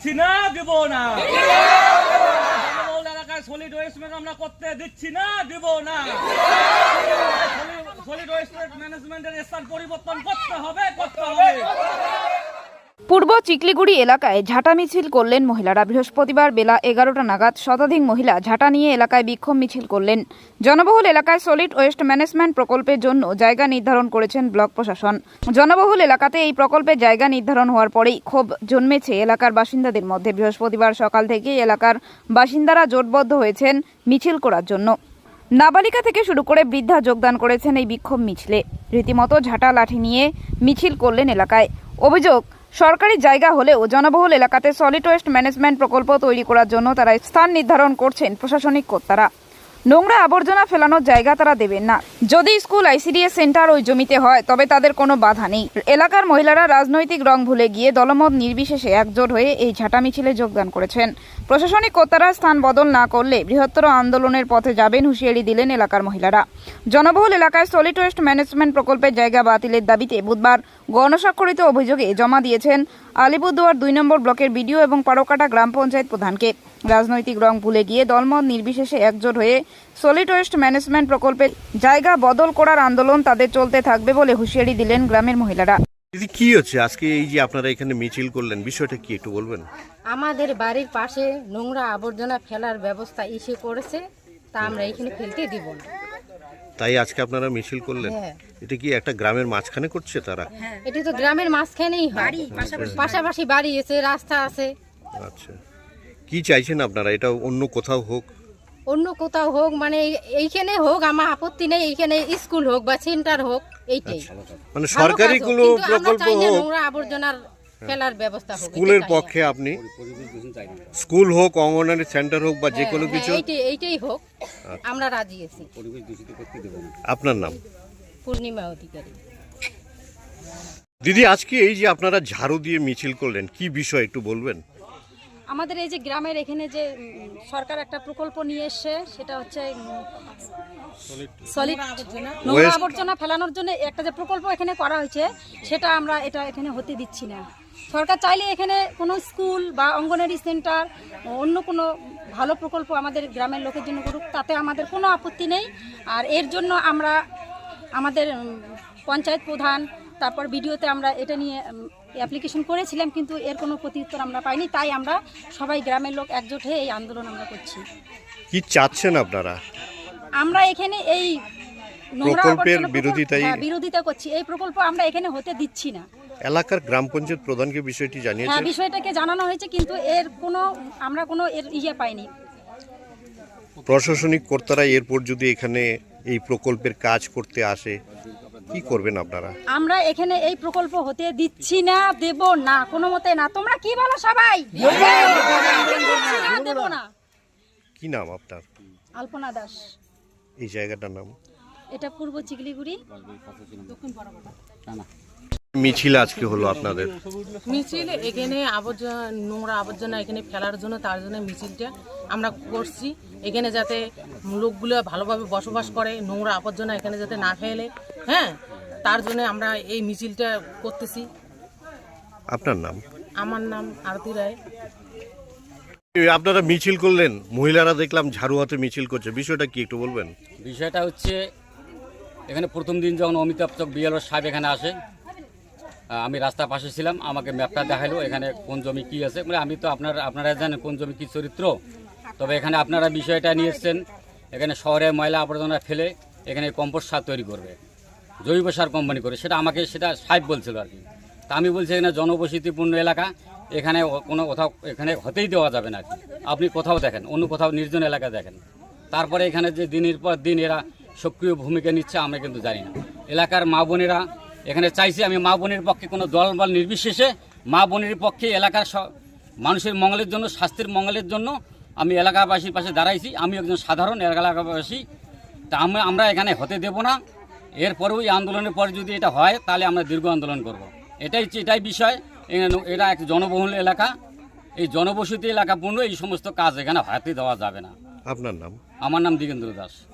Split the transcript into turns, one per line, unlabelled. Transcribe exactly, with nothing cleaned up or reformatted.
দিচ্ছি না, দিব না। জনবহুল এলাকায় সলিড ওয়েস্ট আমরা করতে দিচ্ছি না, দিব না। সলিড ওয়েস্ট ম্যানেজমেন্টের স্থান পরিবর্তন করতে হবে, করতে হবে।
পূর্ব চিকলিগুড়ি এলাকায় ঝাঁটা মিছিল করলেন মহিলারা। বৃহস্পতিবার বেলা এগারোটা নাগাদ শতাধিক মহিলা ঝাঁটা নিয়ে এলাকায় বিক্ষোভ মিছিল করলেন। জনবহুল এলাকায় সলিড ওয়েস্ট ম্যানেজমেন্ট প্রকল্পের জন্য জায়গা নির্ধারণ করেছেন ব্লক প্রশাসন। জনবহুল এলাকাতে এই প্রকল্পের জায়গা নির্ধারণ হওয়ার পরেই ক্ষোভ জন্মেছে এলাকার বাসিন্দাদের মধ্যে। বৃহস্পতিবার সকাল থেকেই এলাকার বাসিন্দারা জোটবদ্ধ হয়েছেন মিছিল করার জন্য। নাবালিকা থেকে শুরু করে বৃদ্ধা যোগদান করেছেন এই বিক্ষোভ মিছিলে। রীতিমতো ঝাঁটা লাঠি নিয়ে মিছিল করলেন এলাকায়। অভিযোগ, সরকারি জায়গা হলেও জনবহুল এলাকাতে সলিড ওয়েস্ট ম্যানেজমেন্ট প্রকল্প তৈরি করার জন্য তারা স্থান নির্ধারণ করছেন প্রশাসনিক কর্তারা। নোংরা আবর্জনা ফেলানোর জায়গা তারা দেবেন না। যদি স্কুল আইসিডিএস সেন্টার ওই জমিতে হয় তবে তাদের কোনো বাধা নেই। এলাকার মহিলারা রাজনৈতিক রং ভুলে গিয়ে দলমত নির্বিশেষে একজোট হয়ে এই ঝাঁটা মিছিলে যোগদান করেছেন। প্রশাসনিক কর্তারা স্থান বদল না করলে বৃহত্তর আন্দোলনের পথে যাবেন হুঁশিয়ারি দিলেন এলাকার মহিলারা। জনবহুল এলাকায় সলিড ওয়েস্ট ম্যানেজমেন্ট প্রকল্পের জায়গা বাতিলের দাবিতে বুধবার গণস্বাক্ষরিত অভিযোগে জমা দিয়েছেন আলিপুরদুয়ার দুই নম্বর ব্লকের বিডিও এবং পারকাটা গ্রাম পঞ্চায়েত প্রধানকে। রাজনৈতিক রং ভুলে গিয়ে দলমত নির্বিশেষে একজোট হয়ে সলিড ওয়েস্ট ম্যানেজমেন্ট প্রকল্পের জায়গা বদল করার আন্দোলন তাদের চলতে থাকবে বলে হুঁশিয়ারি দিলেন গ্রামের মহিলারা।
দিদি, কি হচ্ছে আজকে এই যে আপনারা এখানে মিছিল করলেন, বিষয়টা কি একটু বলবেন?
আমাদের বাড়ির পাশে নোংরা আবর্জনা ফেলার ব্যবস্থা ইসে করেছে, তা আমরা এখানে ফেলতে দিব না,
তাই আজকে আপনারা মিছিল করলেন।
হ্যাঁ।
এটা কি একটা গ্রামের মাঝখানে করছে তারা?
এটি তো গ্রামের মাঝখানেই হয়, পাশাপাশি বাড়ি আছে, রাস্তা আছে।
আচ্ছা, কি চাইছেন আপনারা? এটা অন্য কোথাও হোক?
অন্য কোথাও হোক, মানে এইখানে হোক, আমার আপত্তি নেই। এইখানে স্কুল হোক বা সেন্টার হোক, এইটাই
মানে সরকারি কোনো প্রকল্প হোক,
নোংরা আবর্জনার ফেলার ব্যবস্থা হোক।
স্কুলের পক্ষে আপনি স্কুল হোক, অঙ্গনওয়াড়ি সেন্টার হোক বা যে কোনো কিছু,
এইটাই হোক, আমরা রাজি আছি।
আপনার নাম?
পূর্ণিমা অধিকারী।
দিদি, আজকে এই যে আপনারা ঝাড়ু দিয়ে মিছিল করলেন, কি বিষয় একটু বলবেন?
আমাদের এই যে গ্রামের এখানে যে সরকার একটা প্রকল্প নিয়ে এসছে, সেটা হচ্ছে সলিড নোংরা আবর্জনা ফেলানোর জন্য একটা যে প্রকল্প এখানে করা হয়েছে, সেটা আমরা এটা এখানে হতে দিচ্ছি না। সরকার চাইলে এখানে কোনো স্কুল বা অঙ্গনওয়াড়ি সেন্টার, অন্য কোনো ভালো প্রকল্প আমাদের গ্রামের লোকের জন্য করুক, তাতে আমাদের কোনো আপত্তি নেই। আর এর জন্য আমরা আমাদের পঞ্চায়েত প্রধান, তারপর ভিডিওতে আমরা এটা নিয়ে অ্যাপ্লিকেশন করেছিলাম, কিন্তু এর কোনো প্রত্যুত্তর আমরা পাইনি। তাই আমরা সবাই গ্রামের লোক একজোট হয়ে এই আন্দোলন আমরা করছি।
কি চাচ্ছেন আপনারা?
আমরা এখানে এই
প্রকল্পের বিরোধিতাই
বিরোধিতা করছি। এই প্রকল্প আমরা এখানে হতে দিচ্ছি না।
এলাকার গ্রাম পঞ্চায়েত প্রধানকে বিষয়টি জানিয়েছেন?
হ্যাঁ, বিষয়টাকে জানানো হয়েছে, কিন্তু এর কোনো আমরা কোনো এর ইয়ে পাইনি।
প্রশাসনিক কর্তারা এরপর যদি এখানে এই প্রকল্পের কাজ করতে আসে, কি করবেন আপনারা?
আমরা এখানে এই প্রকল্প হতে দিচ্ছি না, দেব না, কোনো মতে না। তোমরা কি বলো সবাই? দেব না।
কি নাম আপনার?
আলপনা দাস।
এই জায়গাটার নাম?
এটা পূর্ব চিকলিগুড়ি।
মিছিল আজকে হলো আপনাদের?
মিছিল এখানে আবর্জনা, নোংরা আবর্জনা এখানে ফেলার জন্য, তার জন্য মিছিলটা আমরা করছি। এখানে যাতে লোকগুলো ভালোভাবে বসবাস করে, নোংরা আবর্জনা এখানে যাতে না ফেলে, হ্যাঁ, তার জন্য আমরা এই মিছিলটা করতেছি।
আপনার নাম?
আমার নাম আরতি রায়।
আপনারা মিছিল করলেন, মহিলারা দেখলাম ঝাড়ু হাতে মিছিল করছে, বিষয়টা কি একটু বলবেন?
বিষয়টা হচ্ছে, এখানে প্রথম দিন যখন অমিতাভ চক বিএলও সাহেব এখানে আসে, আমি রাস্তার পাশে ছিলাম, আমাকে ম্যাপটা দেখাইলো এখানে কোন জমি কি আছে। মানে আমি তো আপনার আপনারা জানেন কোন জমি কি চরিত্র। তবে এখানে আপনারা বিষয়টা নিয়ে এসছেন, এখানে শহরে ময়লা আবর্জনা ফেলে এখানে কম্পোস্ট সার তৈরি করবে, জৈব সার কোম্পানি করে, সেটা আমাকে সেটা সাহেব বলছিল আর কি। তা আমি বলছি এখানে জনবসতিপূর্ণ এলাকা, এখানে কোনো কোথাও এখানে হতেই দেওয়া যাবে না আর কি। আপনি কোথাও দেখেন, অন্য কোথাও নির্জন এলাকা দেখেন। তারপরে এখানে যে দিনের পর দিন এরা সক্রিয় ভূমিকা নিচ্ছে আমরা কিন্তু জানি না। এলাকার মা বোনেরা এখানে চাইছি, আমি মা বোনের পক্ষে কোনো দল বল নির্বিশেষে মা বোনের পক্ষে এলাকার মানুষের মঙ্গলের জন্য, স্বাস্থ্যের মঙ্গলের জন্য আমি এলাকাবাসীর পাশে দাঁড়াইছি। আমি একজন সাধারণ এলাকাবাসী, তা আমরা আমরা এখানে হতে দেব না। এরপরেও এই আন্দোলনের পরে যদি এটা হয়, তাহলে আমরা দীর্ঘ আন্দোলন করব। এটাই এটাই বিষয়। এটা এক জনবহুল এলাকা, এই জনবসতি এলাকাপূর্ণ এই সমস্ত কাজ এখানে হাতে দেওয়া যাবে না।
আপনার নাম?
আমার নাম দিগেন্দ্র দাস।